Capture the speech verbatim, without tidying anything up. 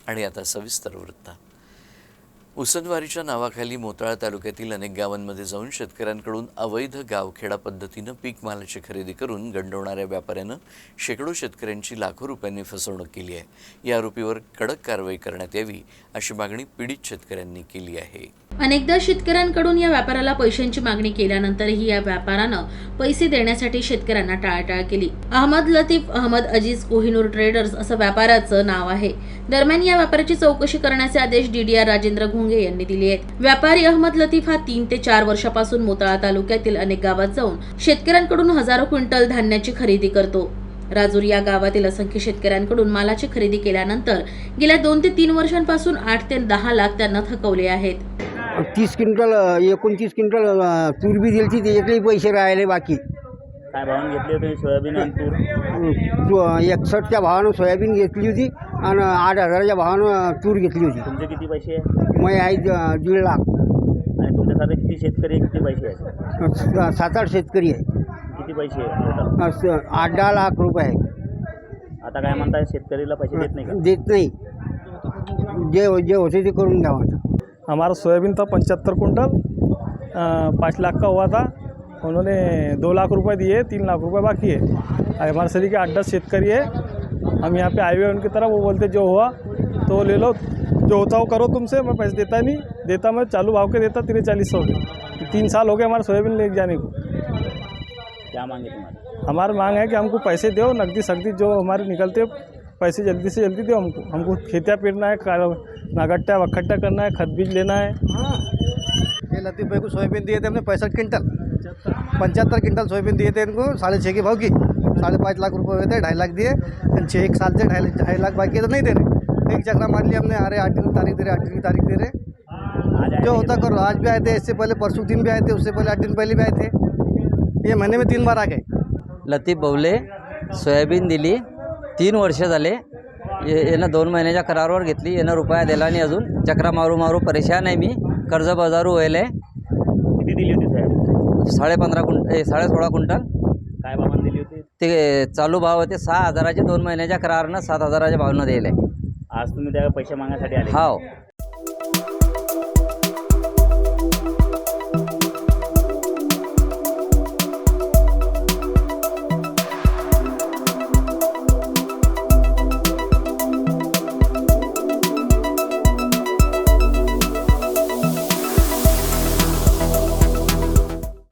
आणि आता सविस्तर वृत्त। उसनवारीच्या नावाखाली मोताळा तालुक्यातील अनेक गावांमध्ये जाऊन शेतकऱ्यांकडून अवैध गावखेडा पद्धतीने पीक मालाची खरेदी करून गंडवणाऱ्या व्यापाऱ्यानं शेकडो शेतकऱ्यांची लाखो रुपयांनी फसवणूक केली आहे। या आरोपीवर कडक कारवाई करण्यात यावी अशी मागणी पीडित शेतकऱ्यांनी केली आहे। अनेकदा शेतकऱ्यांकडून या व्यापाराला पैशांची मागणी केल्यानंतरही या व्यापारानं पैसे देण्यासाठी शेतकऱ्यांना टाळाटाळ केली। अहमद लतीफ अहमद अजीज कोहिनूर ट्रेडर्स असं व्यापाराचं नाव आहे। दरम्यान या व्यापाराची चौकशी करण्याचे आदेश डीडीआर राजेंद्र घुंगे यांनी दिले आहेत। व्यापारी अहमद लतीफ हा तीन ते चार वर्षापासून मोताळा तालुक्यातील अनेक गावात जाऊन शेतकऱ्यांकडून हजारो क्विंटल धान्याची खरेदी करतो। राजूर या गावातील असंख्य शेतकऱ्यांकडून मालाची खरेदी केल्यानंतर गेल्या दोन ते तीन वर्षांपासून आठ ते दहा लाख त्यांना थकवले आहेत। तीस क्विंटल एकोणतीस क्विंटल तूर बी दिली ती एकही पैसे राहिले बाकी। काय भावानं घेतली होती सोयाबीन आणि तूर? एकसष्टच्या भावानं सोयाबीन घेतली होती आणि आठ हजाराच्या भावानं तूर घेतली होती। तुमचे किती पैसे आहे? मग आहे दीड लाख। आणि तुमच्यासारखे किती शेतकरी आहे, किती पैसे आहे? सात आठ शेतकरी आहे। किती पैसे आहे? असं आठ दहा लाख रुपये आहे। आता काय म्हणताय, शेतकरीला पैसे देत नाही का? देत नाही, जे जे होते ते करून द्यावं। हमारा सोयाबीन था पचहत्तर कुंटल, पाँच लाख का हुआ था। उन्होंने दो लाख रुपए दिए, तीन लाख रुपए बाकी है। हमारे शरीर के आठ दस शेतकरी है, हम यहाँ पे आए हुए उनकी तरफ। वो बोलते जो हुआ तो ले लो, जो होता वो करो तुमसे, मैं पैसे देता नहीं, देता मैं चालू भाव के देता तेरे चालीस सौ के। तीन साल हो गए हमारे सोयाबीन ले जाने को। क्या मांगे तुम्हारे? हमारी मांग है कि हमको पैसे दो, नकदी सख्ती जो हमारे निकलते पैसे जल्दी से जल्दी दो हमको। हमको खेतियाँ पेरना है, नागट्टा वखट्टा करना है, खत बीज लेना है। ये लतीफ़ भाई को सोयाबीन दिए थे हमने पैंसठ क्विंटल, पचहत्तर क्विंटल सोयाबीन दिए थे इनको साढ़े छः के भाव की। साढ़े पाँच लाख रुपए हुए थे, ढाई लाख दिए। छः एक साल से ढाई ढाई लाख बाकी है तो नहीं दे रहे। एक चक्रा मार लिया हमने, अरे आठ दिन तारीख दे रहे, आठ दिन की तारीख दे रहे, जो होता करो। आज भी आए थे, इससे पहले परसों दिन भी आए थे, उससे पहले आठ दिन पहले भी आए थे। ये महीने में तीन बार आ गए। लतीफ बवले सोयाबीन दिली, तीन वर्ष झाले। यानं दोन महिन्याच्या करारावर घेतली, यानं रुपया दिला नाही अजून। चक्रा मारू मारू परेशान आहे मी, कर्ज बाजारू व्हायला आहे। किती दिली होती साहेब? साडे पंधरा कुंटल साडे सोळा कुंटल। काय भावानं दिली होती? ते चालू भाव होते सहा हजाराचे, दोन महिन्याच्या करारानं सात हजाराच्या भावनं दिले। आज तुम्ही त्या पैसे मागण्यासाठी आले? हो।